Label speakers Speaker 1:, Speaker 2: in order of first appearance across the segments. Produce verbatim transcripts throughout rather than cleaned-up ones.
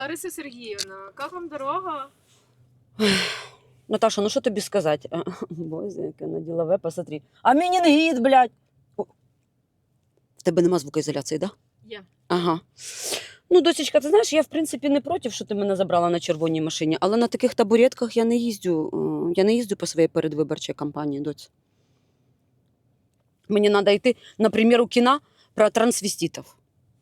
Speaker 1: Лариса Сергіївна, як вам дорога?
Speaker 2: Наташа, ну що тобі сказати? Боже, яке на ділове, посмотри. А менінгіт, блядь. О. В тебе нема звукоізоляції, так? Да?
Speaker 1: Є.
Speaker 2: Ага. Ну, досічка, ти знаєш, я, в принципі, не проти, що ти мене забрала на червоній машині, але на таких табуретках я не їздю. Я не їздю по своїй передвиборчій кампанії, доць. Мені треба йти, наприклад, у кіно про трансвеститів.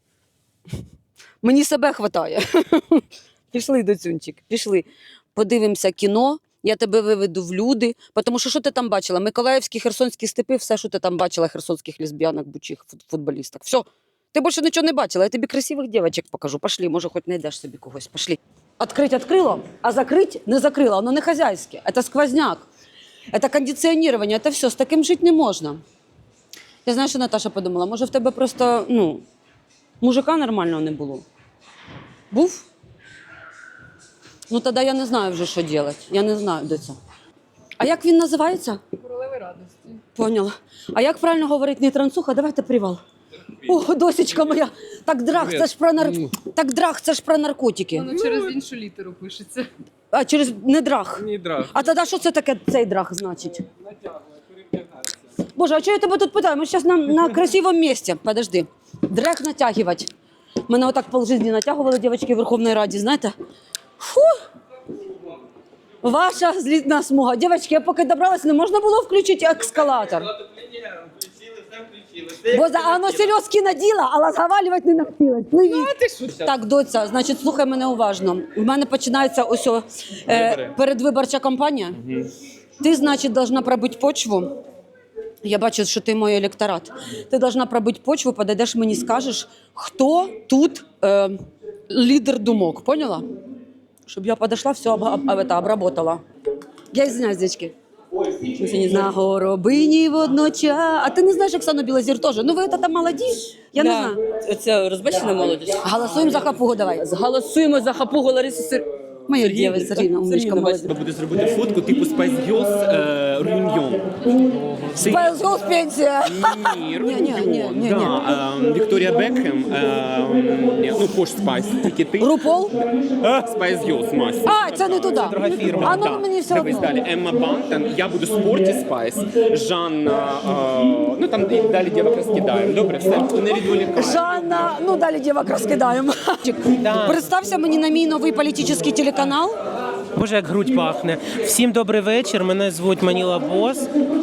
Speaker 2: Мені себе хватає. Пішли, доцюнчик, пішли. Подивимося кіно, я тебе виведу в люди. Тому що, що ти там бачила? Миколаївські, херсонські степи, все, що ти там бачила, херсонських лесбіянок, бучих футболісток. Все. Ти більше нічого не бачила, я тобі красивих дівчаток покажу. Пошли, може, хоч знайдеш собі когось. Пошли. Открыть открыла, а закрыть не закрыла. Оно не хозяйське. Это сквозняк. Это кондиціонування. Это все. З таким жити не можна. Я знаю, що Наташа подумала, може в тебе просто, ну, мужика нормального не було. Був? Ну, тоді я не знаю вже, що робити. Я не знаю, де це. А як він називається?
Speaker 1: Королеви радості.
Speaker 2: Поняла. А як правильно говорить не трансуха? Давайте привал. О, досічка моя. Так драх, це ж про нар... Так драх, це ж про наркотики.
Speaker 1: Воно через іншу літеру пишеться.
Speaker 2: А через не драх.
Speaker 3: Не драх.
Speaker 2: А тоді що це таке цей драх значить? Боже, а чого я тебе тут питаю? Ми зараз на, на красивому місці. Подожди. Драх натягувати. Мене отак полжизні натягували дівчатки в Верховній Раді, знаєте? Фу! Ваша злітна смуга. Дівчатки, я поки добралась, не можна було включити ескалатор. Бо за оно сельозки наділа, а розговарювати не навчилась. Пливіть. Так, доця, значить, слухай мене уважно. У мене починається ось о, е, передвиборча кампанія. Угу. Ти, значить, должна пробити почву. Я бачу, що ти мій електорат. Ти должна пробити почву, подійдеш мені, скажеш, хто тут е, лідер думок. Поняла? Щоб я подошла, все об, об, об, обработала. Я извиняюсь, дядьки. На горобині водночас. А ти не знаєш Оксану Білозір теж? Ну ви там молоді? Я
Speaker 4: да.
Speaker 2: не знаю.
Speaker 4: Це розбачена молодість.
Speaker 2: Голосуємо за хапугу, давай.
Speaker 4: Голосуємо за хапугу Ларису Сер...
Speaker 2: Моя дівчина, Сергійна, умничка, молодець.
Speaker 3: Треба буде зробити фотку типу Spice Girls е, Реюньйон.
Speaker 2: Spice Girls пенсія.
Speaker 3: Ні,
Speaker 2: Ні, ні,
Speaker 3: Реюньйон.
Speaker 2: ні, ні,
Speaker 3: Да, е, Вікторія Бекхем, е, ні, ну Пош Спайс, тільки ти.
Speaker 2: Рупол?
Speaker 3: Spice Girls, Мась.
Speaker 2: А, це не туди.
Speaker 3: Друга фірма.
Speaker 2: А ну
Speaker 3: да.
Speaker 2: мені все
Speaker 3: Дивись
Speaker 2: одно.
Speaker 3: далі. Емма Бантон, я буду Спорті Спайс, Жанна, е, ну там і далі дівок розкидаємо. Добре, все, не відволікай.
Speaker 2: Жанна, ну далі дівок розкидаємо.
Speaker 4: Да.
Speaker 2: Представся мені на мій новий політичний телеканал.
Speaker 4: Боже, як грудь пахне. Всім добрий вечір, мене звуть Маніла Бос.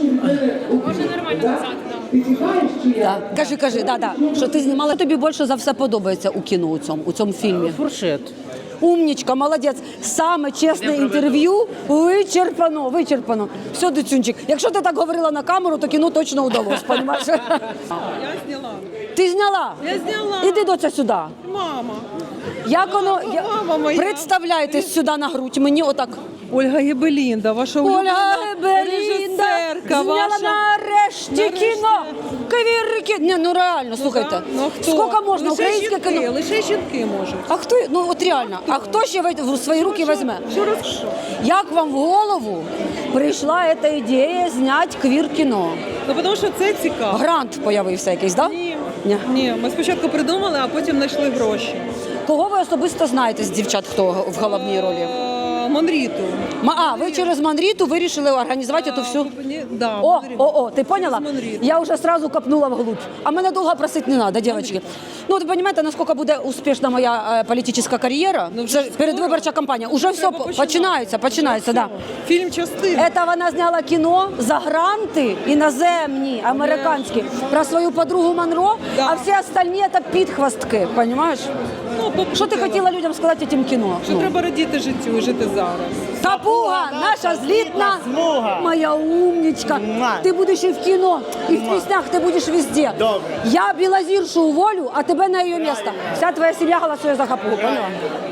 Speaker 1: Можна нормально казати, так.
Speaker 2: Да. Кажи, кажи, да, да. Що ти знімала, тобі більше за все подобається у кіно, у цьому, у цьому фільмі.
Speaker 4: Фуршет.
Speaker 2: Умнічка, молодець. Саме чесне інтерв'ю вичерпано, вичерпано. Все, Доцюнчик, якщо ти так говорила на камеру, то кіно точно удалось, розумієш?
Speaker 5: Я зняла.
Speaker 2: Ти зняла?
Speaker 5: Я зняла.
Speaker 2: Іди, доця, сюди.
Speaker 5: Мама.
Speaker 2: Як воно? Я...
Speaker 5: Мама моя.
Speaker 2: Представляйтесь сюди на грудь, мені отак.
Speaker 5: Ольга Гебелінда, ваша
Speaker 2: Ольга
Speaker 5: улюблена
Speaker 2: Белінда
Speaker 5: режисерка.
Speaker 2: зняла
Speaker 5: Ваша...
Speaker 2: нарешті
Speaker 5: Нарешті.
Speaker 2: кіно. Кавірки. Ні, ну реально, слухайте.
Speaker 5: Ну, а хто?
Speaker 2: Скільки можна
Speaker 5: Лише
Speaker 2: українське
Speaker 5: жінки,
Speaker 2: кіно?
Speaker 5: Лише жінки можуть.
Speaker 2: А хто, ну от реально, а хто ще в в свої руки візьме?
Speaker 5: Що роз... що?
Speaker 2: Як вам в голову прийшла ця ідея зняти квір-кіно?
Speaker 5: Ну, тому що це цікаво.
Speaker 2: Грант появився якийсь, так? Да?
Speaker 5: Ні.
Speaker 2: Ні.
Speaker 5: Ні, ми спочатку придумали, а потім знайшли гроші.
Speaker 2: Кого ви особисто знаєте з дівчат, хто в головній ролі?
Speaker 5: Е, Монріту.
Speaker 2: Ма- А, ви через Манріту вирішили організувати цю всю...
Speaker 5: Ні, да,
Speaker 2: О,
Speaker 5: Монріту.
Speaker 2: о, о, ти поняла?
Speaker 5: Через Монріту.
Speaker 2: Я вже сразу копнула вглубь. А мене довго просити не треба, дівчатки. Ну, ви розумієте, наскільки буде успішна моя е, політична кар'єра?
Speaker 5: Ну, вже
Speaker 2: Це
Speaker 5: скоро.
Speaker 2: передвиборча кампанія. Уже все
Speaker 5: Треба
Speaker 2: по-
Speaker 5: починати.
Speaker 2: починається, починається, так. Да.
Speaker 5: Фільм частина.
Speaker 2: Це вона зняла кіно за гранти іноземні, американські, про свою подругу Монро,
Speaker 5: Да.
Speaker 2: а всі остальні – це підхвостки, розумієш?
Speaker 5: Ну, бо-
Speaker 2: Що ти хотіла людям сказати цим кіно?
Speaker 5: Що
Speaker 2: Ну.
Speaker 5: треба радіти життю і жити зараз.
Speaker 2: Капуга, наша злітна, моя умничка. Ти будеш і в кіно, і в піснях, ти будеш везде. Я Білозіршу уволю, а тебе на її місце. Вся твоя сім'я голосує за Капугу, поняла?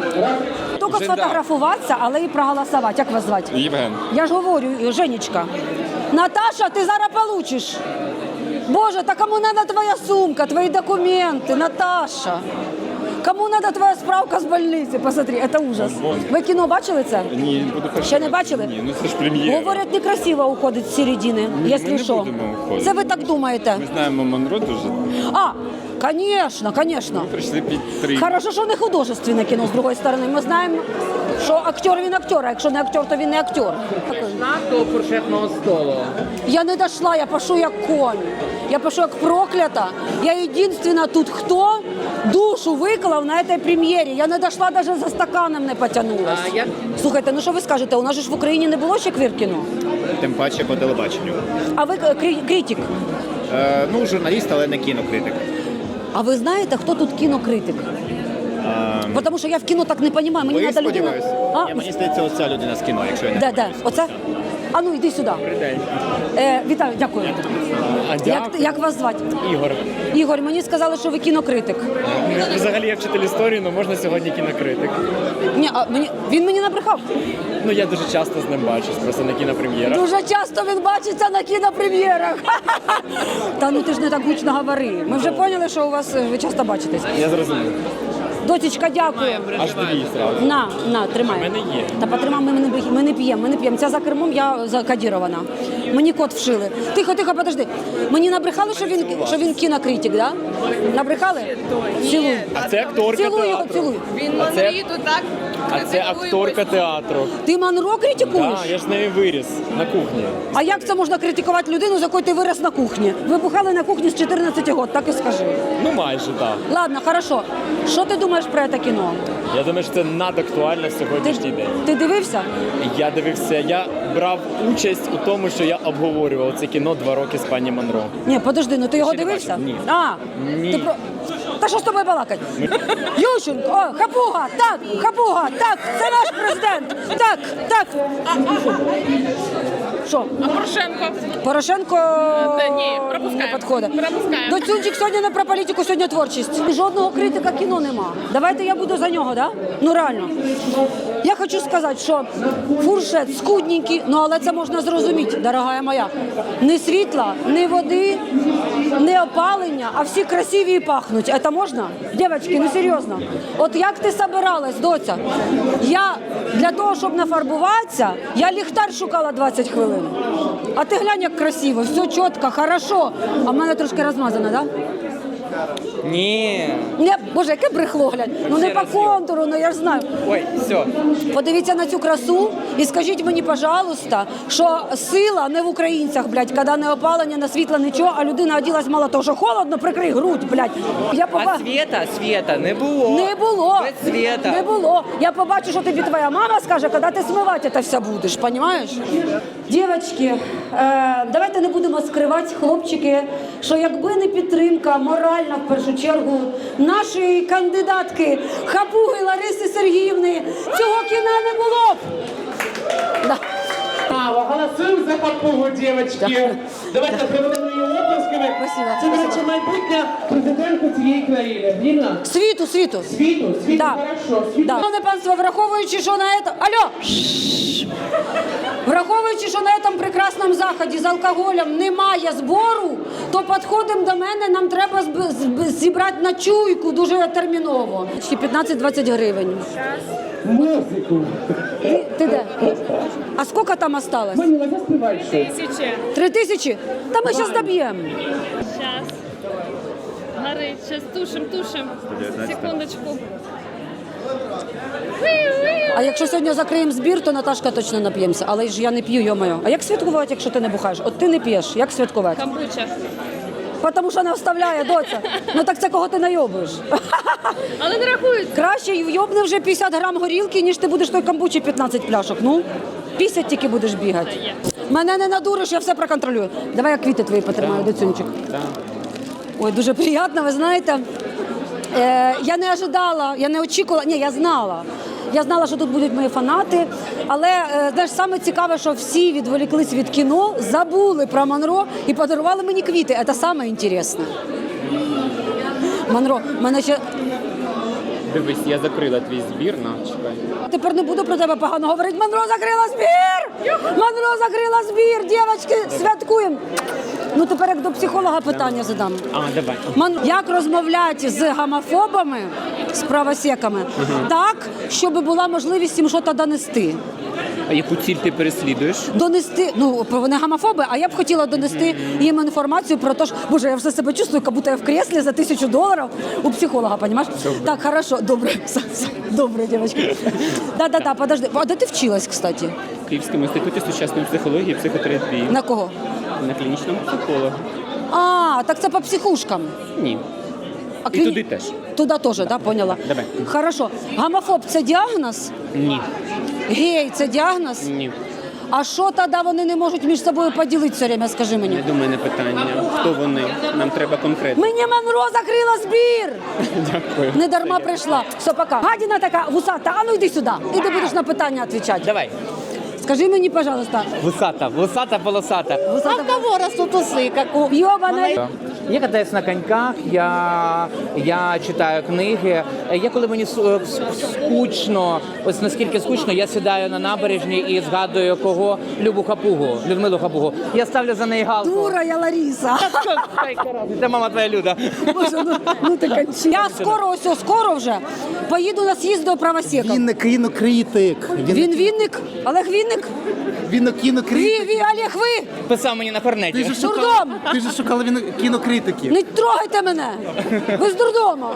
Speaker 2: Тільки сфотографуватися, але і проголосувати. Як вас звати?
Speaker 3: Євген.
Speaker 2: Я ж говорю, Женечка. Наташа, ти зараз получиш. Боже, та кому треба твоя сумка, твої документи, Наташа? Кому надо твоя справка з больниці? Посмотри, це ужас. Ви кіно бачили це?
Speaker 3: Ні, буду перший
Speaker 2: Ще не
Speaker 3: раз.
Speaker 2: бачили?
Speaker 3: Ні, ну це ж прем'єра.
Speaker 2: Говорять, некрасиво уходить з середини,
Speaker 3: Ми
Speaker 2: якщо
Speaker 3: не
Speaker 2: що.
Speaker 3: будемо уходити.
Speaker 2: Це ви так думаєте?
Speaker 3: Ми знаємо Монро дуже.
Speaker 2: А, звісно, звісно.
Speaker 3: Прийшли підтримати.
Speaker 2: Хорошо, що не художественне кіно, з другої сторони. Ми знаємо, що актер він актер, а якщо не актер, то він не актер.
Speaker 6: До фуршетного столу.
Speaker 2: Я не дошла, я пишу як конь. Я пишу як проклята. Я єдинственна тут, хто душу виклав на цій прем'єрі. Я не дошла, навіть за стаканом не потягнулась.
Speaker 6: А я-
Speaker 2: Слухайте, ну що ви скажете, у нас же ж в Україні не було ще квір-кіно?
Speaker 7: Тим паче по телебаченню.
Speaker 2: А ви е, крі- критик.
Speaker 7: Е, ну, журналіст, але не кінокритик.
Speaker 2: А ви знаєте, хто тут кінокритик?
Speaker 7: Е,
Speaker 2: Тому що я в кіно так не розумію. Мені
Speaker 7: ви,
Speaker 2: треба людина.
Speaker 7: сподіваюсь?
Speaker 2: А?
Speaker 7: Я, мені здається, оця людина з кіно, якщо я не
Speaker 2: Де, де? Оце? А ну, йди сюди. Е, вітаю, дякую.
Speaker 3: А
Speaker 2: Як, як вас звати?
Speaker 3: Ігор.
Speaker 2: Ігор, мені сказали, що ви кінокритик.
Speaker 3: Взагалі я вчитель історії, але можна сьогодні кінокритик.
Speaker 2: Ні, а мені, він мені набрехав.
Speaker 3: Ну я дуже часто з ним бачусь, просто на кінопрем'єрах.
Speaker 2: Дуже часто він бачиться на кінопрем'єрах. Та ну ти ж не так гучно говори. Ми вже поняли, що у вас е, ви часто бачитесь.
Speaker 3: Я зрозумів.
Speaker 2: Дотічка, дякую.
Speaker 3: Аж дві зразу.
Speaker 2: На, на, тримай.
Speaker 3: У мене є.
Speaker 2: Та потримай, ми не, ми не п'ємо, ми не п'ємо. Ця за кермом, я закодірована. Мені код вшили. Тихо, тихо, подожди. Мені набрехали, що він, що він кінокритик, да? Набрехали? Цілуй.
Speaker 3: А це акторка
Speaker 2: Цілуй його,
Speaker 3: театру.
Speaker 2: цілуй.
Speaker 1: Він
Speaker 3: А це-
Speaker 1: Монріту так
Speaker 3: А це акторка театру.
Speaker 2: Ти Монро критикуєш?
Speaker 3: Так, я ж з нею виріс на кухні.
Speaker 2: А як це можна критикувати людину, з якою ти вирос на кухні? Ви бухали на кухні з чотирнадцяти років, так і скажи.
Speaker 3: Ну майже так.
Speaker 2: Ладно, хорошо. Що ти думаєш про це кіно?
Speaker 3: Я думаю, що це надактуально в
Speaker 2: Ти,
Speaker 3: сьогоднішній день.
Speaker 2: ти дивився?
Speaker 3: Я дивився, я брав участь у тому, що я обговорював це кіно два роки з пані Монро.
Speaker 2: Ні, подожди, ну ти його
Speaker 3: Ще не
Speaker 2: дивився?
Speaker 3: бачив, ні.
Speaker 2: А,
Speaker 3: Ні.
Speaker 2: Ти про... Та що з тобою балакать? Ющенко, о, Хапуга, так, Хапуга, так, це наш президент, так, так. Що?
Speaker 1: А Порошенко?
Speaker 2: Порошенко
Speaker 1: Та ні,
Speaker 2: не
Speaker 1: пропускаємо.
Speaker 2: підходить.
Speaker 1: Пропускаємо.
Speaker 2: Доцюнчик сьогодні не про політику, сьогодні творчість. Жодного критика кіно нема. Давайте я буду за нього, да? Ну реально. Я хочу сказати, що фуршет скудненький, ну але це можна зрозуміти, дорогая моя. Не світла, не води, не опалення, а всі красиві і пахнуть. Це можна? Дівчатки, ну серйозно. От як ти собиралась, доця? Я для того, щоб нафарбуватися, я ліхтар шукала двадцять хвилин. А ти глянь, як красиво, все чітко, хорошо. А в мене трошки розмазано, так? Да?
Speaker 6: Ні.
Speaker 2: Не, Боже, яке брехло, глянь. Ну не по контуру, ну я ж знаю.
Speaker 6: Ой, все.
Speaker 2: Подивіться на цю красу і скажіть мені, пожалуйста, що сила не в українцях, блядь, коли не опалення, не світла, нічого, а людина оділась мало того, що холодно, прикрий грудь, блядь. Я
Speaker 6: А
Speaker 2: поба...
Speaker 6: світа, світа не було.
Speaker 2: Не було.
Speaker 6: Без світа.
Speaker 2: Не було. Я побачу, що тобі твоя мама скаже, коли ти смивати це все будеш, розумієш? Дівчатки, е, давайте не будемо скривати, хлопчики, що якби не підтримка моральна, в першу чергу, нашої кандидатки Хапуги Лариси Сергіївни, цього кіна не було б. Да.
Speaker 8: Право, голосуємо за Хапугу, дівчатки. Давайте приведемо її оплесками.
Speaker 2: Спасибо,
Speaker 8: Це, до
Speaker 2: спасибо.
Speaker 8: речі, майбутня президентка цієї країни. Вірно?
Speaker 2: Світу, світу.
Speaker 8: Світу, світу,
Speaker 2: Да.
Speaker 8: хорошо. Світу.
Speaker 2: Да. Шановне панство, враховуючи, що на это... Алло! Враховуючи, що на цьому прекрасному заході з алкоголем немає збору, то підходимо до мене, нам треба зб- зб- зібрати на чуйку дуже терміново. Ще п'ятнадцять-двадцять гривень.
Speaker 8: Музику.
Speaker 2: Ти, ти де? А скільки там осталось?
Speaker 8: Маніла, заспівай щось.
Speaker 1: Тисячі.
Speaker 2: Три тисячі? Та ми зараз доб'ємо.
Speaker 9: Сейчас. Горить, сейчас тушим, тушим. Секундочку.
Speaker 2: А якщо сьогодні закриємо збір, то Наташка точно нап'ємося. Але ж я не п'ю, йо-моє. А як святкувати, якщо ти не бухаєш? От ти не п'єш, як святкувати?
Speaker 9: Камбуча.
Speaker 2: Тому що не вставляє, доця. Ну так це кого ти найобуєш?
Speaker 9: Але не рахується.
Speaker 2: Краще вйобни вже п'ятдесят грам горілки, ніж ти будеш той камбучі п'ятнадцять пляшок. Ну, п'ятдесят тільки будеш бігати. Мене не надуриш, я все проконтролюю. Давай я квіти твої потримаю, доцюнчик. Ой, дуже приємно, ви знаєте. Е, я не ожидала, я не очікувала, ні, я знала. Я знала, що тут будуть мої фанати, але е, знаєш, саме цікаве, що всі відволіклись від кіно, забули про Монро і подарували мені квіти. Це саме інтересне. Монро, мене ще...
Speaker 3: Дивись, я закрила твій збір, на, чекай.
Speaker 2: Тепер не буду про тебе погано говорити. Монро закрила збір! Монро закрила збір! Дівчатки, святкуємо! Ну тепер як до психолога питання задам.
Speaker 3: А, давай.
Speaker 2: Мон... Як розмовляти з гомофобами з правосеками. Так, щоб була можливість їм щось донести.
Speaker 3: А яку ціль ти переслідуєш?
Speaker 2: Донести, ну, вони гомофоби, а я б хотіла донести їм інформацію про те, що, боже, я вже себе чувствую, як будто я в креслі за тисячу доларів у психолога, розумієш? Так, хорошо, добре, добре, дівчатки. Да-да-да, подожди, а де ти вчилась, кстати?
Speaker 3: В Київському інституті сучасної психології і психотерапії.
Speaker 2: На кого?
Speaker 3: На клінічному психологу.
Speaker 2: А, так це по психушкам.
Speaker 3: Ні.
Speaker 2: А
Speaker 3: І туди теж.
Speaker 2: Туди теж, так, да, поняла?
Speaker 3: Давай.
Speaker 2: Хорошо. Гомофоб – це діагноз?
Speaker 3: Ні.
Speaker 2: Гей – це діагноз?
Speaker 3: Ні.
Speaker 2: А що тоді вони не можуть між собою поділити все время, скажи мені?
Speaker 3: Не до мене питання. Хто вони? Нам треба конкретно.
Speaker 2: Мені Монро закрила збір!
Speaker 3: Дякую.
Speaker 2: Не дарма прийшла. Все, пока. Гадіна така вусата, а ну йди сюди. І ти будеш на питання відповідати.
Speaker 6: Давай.
Speaker 2: Скажи мені, пожалуйста.
Speaker 6: Вусата, вусата, полосата.
Speaker 2: Вусата... А в кого растут усы, как у Йобана?
Speaker 6: Я катаюсь на коньках, я, я читаю книги. Я коли мені су- скучно, ось наскільки скучно, я сідаю на набережні і згадую кого? Любу Хапугу, Людмилу Хапугу. Я ставлю за неї галку.
Speaker 2: Дура я Лариса.
Speaker 6: Це мама твоя Люда.
Speaker 2: Боже, ну, ну ти кончи. Я скоро, ось скоро вже поїду на з'їзд до правосека.
Speaker 10: Він не кінокритик.
Speaker 2: Він Вінник? Олег Вінник?
Speaker 10: Він не кінокритик.
Speaker 2: Ви, ви, Олег, ви?
Speaker 6: Писав мені на
Speaker 10: Ти
Speaker 6: корнеті.
Speaker 10: ж
Speaker 2: Дурдом!
Speaker 10: шукала, ти ж шукала він кінокритиків.
Speaker 2: Не трогайте мене! Ви з дурдому!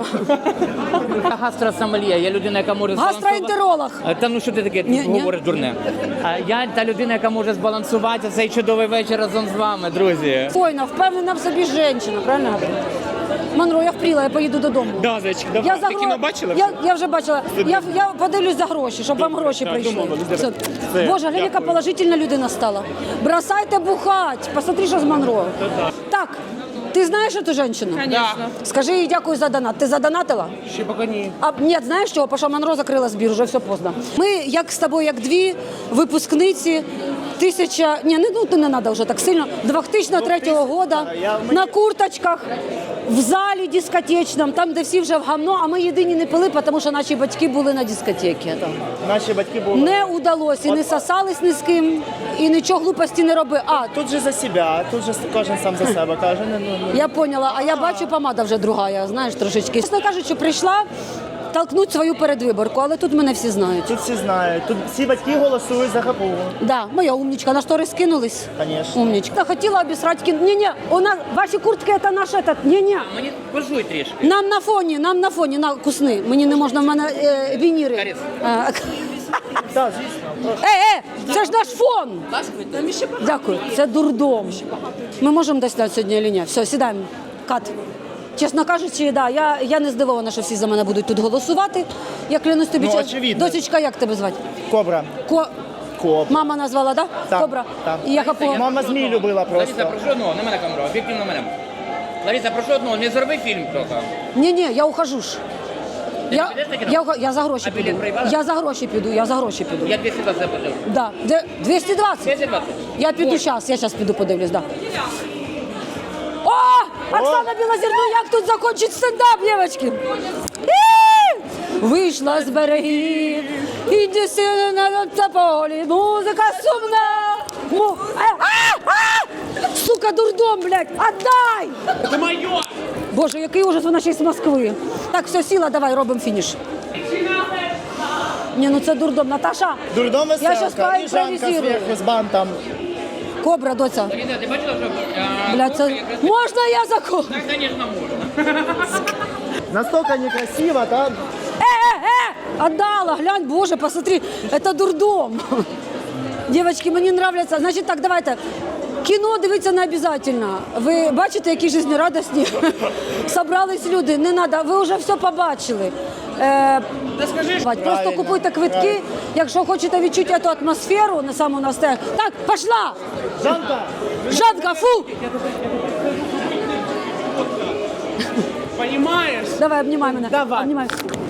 Speaker 6: Я гастросомельє, я людина, яка може
Speaker 2: Гастроентеролог.
Speaker 6: збалансувати- Та ну що ти таке
Speaker 2: Ні, ні.
Speaker 6: говориш дурне? А я та людина, яка може збалансувати цей чудовий вечір разом з вами, друзі.
Speaker 2: Фойна, впевнена в собі жінка, правильно говорю? Монро, я впріла, я поїду додому.
Speaker 3: Да, зайчик, давай.
Speaker 2: Я
Speaker 3: Ти
Speaker 2: за гро-
Speaker 3: кіно бачила?
Speaker 2: Я, я вже бачила. Я, я подивлюсь за гроші, щоб вам гроші
Speaker 3: так,
Speaker 2: прийшли.
Speaker 3: домовились,
Speaker 2: Все.
Speaker 3: давай. Все,
Speaker 2: Боже, глянь, яка
Speaker 3: дякую.
Speaker 2: положительна людина стала. Бросайте бухать. Посмотри, що з Монро. Так, ти знаєш цю жінку?
Speaker 5: Звісно.
Speaker 2: Скажи їй дякую за донат. Ти задонатила?
Speaker 6: Ще поки ні.
Speaker 2: А ні, знаєш чого? Паша Монро закрила збір, вже все поздно. Ми, як з тобою, як дві випускниці тисяча, ні, не, ну, не треба вже так сильно, дві тисячі третього года на курточках, в залі дискотечному, там, де всі вже в гамно, а ми єдині не пили, тому що наші батьки були на дискотеці.
Speaker 10: Наші батьки були.
Speaker 2: Не удалося, і не сосались ні з ким, і нічого глупості не робили. А,
Speaker 10: Тут же за себе, тут же кожен сам за себе каже. Ну, ну,
Speaker 2: я поняла, а я бачу, помада вже другая, знаєш, трошечки. Чесно кажучи, прийшла толкнуть свою передвиборку, але тут мене всі знають.
Speaker 10: Тут всі знають. Тут всі батьки голосують за Хапугу.
Speaker 2: Да, моя умничка, на штори скинулись.
Speaker 10: Конечно.
Speaker 2: Умничка. Я хотіла обісрати кін. Ні-ні, у нас ваші куртки це наш этот. Ні-ні.
Speaker 6: Мені пожуй трішки.
Speaker 2: Нам на фоні, нам на фоні, на кусни. Мені не можна, в мене е, вініри.
Speaker 6: Каріс.
Speaker 2: Е,
Speaker 10: Так, звісно.
Speaker 2: Е, е, це ж наш фон. Дякую, це дурдом. Ми можемо десь дати сьогодні чи ні? Все, сідаємо. Кат. Чесно кажучи, да, я, я не здивована, що всі за мене будуть тут голосувати. Я клянусь тобі,
Speaker 10: Ну,
Speaker 2: чесно.
Speaker 10: очевидно.
Speaker 2: Досічка, як тебе звати?
Speaker 10: Кобра.
Speaker 2: Ко...
Speaker 10: Кобра.
Speaker 2: Мама назвала, да?
Speaker 10: Так,
Speaker 2: Кобра.
Speaker 10: так.
Speaker 2: І я хапу.
Speaker 10: Мама змій любила
Speaker 6: Лариса,
Speaker 10: просто.
Speaker 6: прошу одного, не мене камеру, об'єктивно мене. Лариса, прошу одного, не зроби фільм трохи.
Speaker 2: Ні-ні, я ухожу ж.
Speaker 6: Ти
Speaker 2: Я,
Speaker 6: не підеш на кіно?
Speaker 2: я, уха- я за гроші
Speaker 6: А білет
Speaker 2: піду.
Speaker 6: проїбала?
Speaker 2: Я за гроші піду, я за гроші піду.
Speaker 6: Я двісті двадцять заплатив.
Speaker 2: Да. Де- двісті двадцять?
Speaker 6: двісті двадцять.
Speaker 2: Я піду зараз, я зараз піду подивлюсь, да. О! Оксана Білозірну, як тут закончить стендап, дівчатки? І! Вийшла з берегів, іди сина на тополі, музика сумна. Му... А, а, а! Сука, дурдом, блядь, отдай!
Speaker 3: Це моє!
Speaker 2: Боже, який ужас, вона ще й з Москви. Так, все, сіла, давай, робимо фініш. Ні, ну це дурдом. Наташа,
Speaker 10: Дурдом
Speaker 2: я зараз
Speaker 10: веселка, і Жанка
Speaker 2: поімпровізирую.
Speaker 10: зверху з бантом.
Speaker 2: Кобра, доця.
Speaker 6: Лариса, ти бачила, що... а,
Speaker 2: Блядь, це... Можна я за кобру?
Speaker 6: Так, звісно, можна.
Speaker 10: Настолько некрасиво, так?
Speaker 2: Э-э-э! Отдала, глянь, боже, посмотри, это дурдом. Девочки, мені нравляться. Значить так, давайте. Кіно дивитися не обов'язково. Ви бачите, які жизнерадісні собрались люди. Не треба, ви вже все побачили. Е, просто
Speaker 10: Правильно,
Speaker 2: купуйте квитки,
Speaker 10: правильно.
Speaker 2: якщо хочете відчути цю атмосферу на самому настелі. Так, пішла!
Speaker 10: Жанка!
Speaker 2: Жанка, фу!
Speaker 3: Понимаєш?
Speaker 2: Давай, обнімай мене.
Speaker 10: Давай.
Speaker 2: Обнімай.